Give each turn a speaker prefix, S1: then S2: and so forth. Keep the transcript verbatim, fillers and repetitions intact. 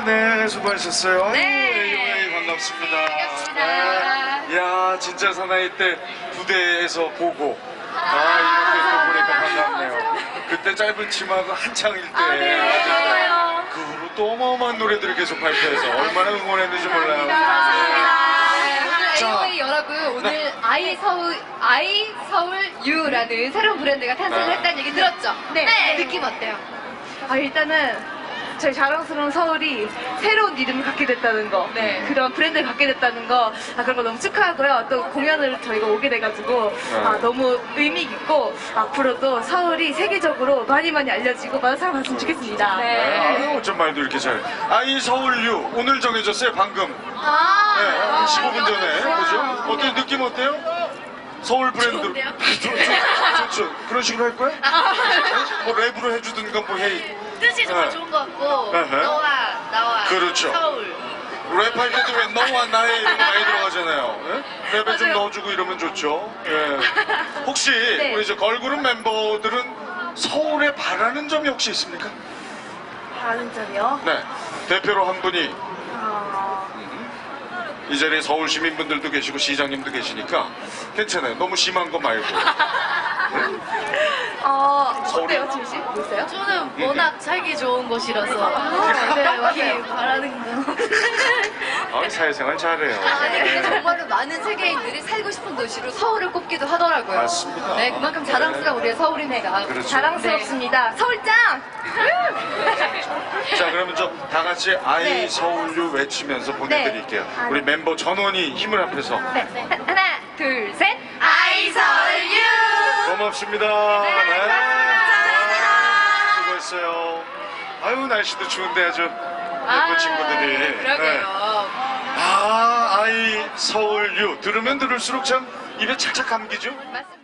S1: 네, 수고하셨어요.
S2: 네.
S1: 아유, 반갑습니다.
S2: 반갑습니다.
S1: 네. 이야, 진짜 사나이 때 부대에서 보고, 아, 이렇게 또 보니까 반갑네요. 그때 짧은 치마가 한창일 때.
S2: 아, 네, 맞아요.
S1: 그 후로 또 어마어마한 노래들을 계속 발표해서 얼마나 응원했는지 몰라요.
S2: 네, 오늘
S1: 자.
S2: 에이오에이 여러분, 오늘
S1: 네.
S2: 아이 서울, 아이 서울 U라는 새로운 브랜드가 탄생을
S1: 네.
S2: 했다는 얘기 들었죠?
S3: 네.
S2: 느낌 어때요?
S3: 아, 일단은 저희 자랑스러운 서울이 새로운 이름을 갖게 됐다는 거,
S2: 네.
S3: 그런 브랜드를 갖게 됐다는 거, 아, 그런 거 너무 축하하고요. 또 공연을 저희가 오게 돼가지고 아, 너무 의미 있고 앞으로도 서울이 세계적으로 많이 많이 알려지고 많은 사랑 받았으면 좋겠습니다.
S1: 네, 아유, 어쩜 말도 이렇게 잘. 아이 서울유 오늘 정해졌어요, 방금.
S2: 아,
S1: 네, 한 십오 분 전에. 그죠? 어때요? 느낌 어때요? 서울 브랜드.
S2: 좋은데요?
S1: 좋죠, 좋죠. 그런 식으로 할 거야? 뭐 랩으로 해주든가 뭐 해.
S2: 뜻이 정말
S1: 네.
S2: 좋은 것 같고,
S1: 네, 네.
S2: 너와 나와
S1: 그렇죠.
S2: 서울.
S1: 랩할 때도 왜 너와 나의 이런 거 많이 들어가잖아요. 예? 랩에 좀
S2: 맞아요.
S1: 넣어주고 이러면 좋죠. 예. 혹시
S2: 네.
S1: 우리 이제 걸그룹 멤버들은 서울에 바라는 점이 혹시 있습니까?
S3: 다른 점이요?
S1: 네. 대표로 한 분이
S3: 아,
S1: 이 자리에 서울 시민분들도 계시고 시장님도 계시니까 괜찮아요. 너무 심한 거 말고.
S3: 어,
S1: 서울이-
S3: 어때요, 지우 씨? 뭐 있어요?
S2: 저는 워낙 살기 좋은 곳이라서
S3: 아, 네,
S2: 딱히
S3: 맞아요.
S2: 바라는 거.
S1: 아, 사회생활 잘해요.
S2: 아, 네. 근데
S1: 네.
S2: 정말로 많은 세계인들이 살고 싶은 도시로 서울을 꼽기도 하더라고요.
S1: 맞습니다.
S2: 네, 그만큼 자랑스러운 우리의 서울이네가.
S1: 그렇죠.
S3: 자랑스럽습니다. 서울짱!
S1: 자, 그러면 저 다 같이 아이
S3: 네.
S1: 서울유 외치면서 보내드릴게요.
S3: 네.
S1: 우리 멤버 전원이 힘을 합해서.
S3: 네. 하- 하나, 둘, 셋!
S2: 아이 서울 유!
S1: 고맙습니다.
S2: 네, 감사합니다.
S1: 수고했어요. 아유, 날씨도 추운데 아주
S2: 아,
S1: 예쁜 친구들이. 네.
S2: 그러게요.
S1: 아, 아이 서울유 들으면 들을수록 참 입에 착착 감기죠?
S2: 맞습니다.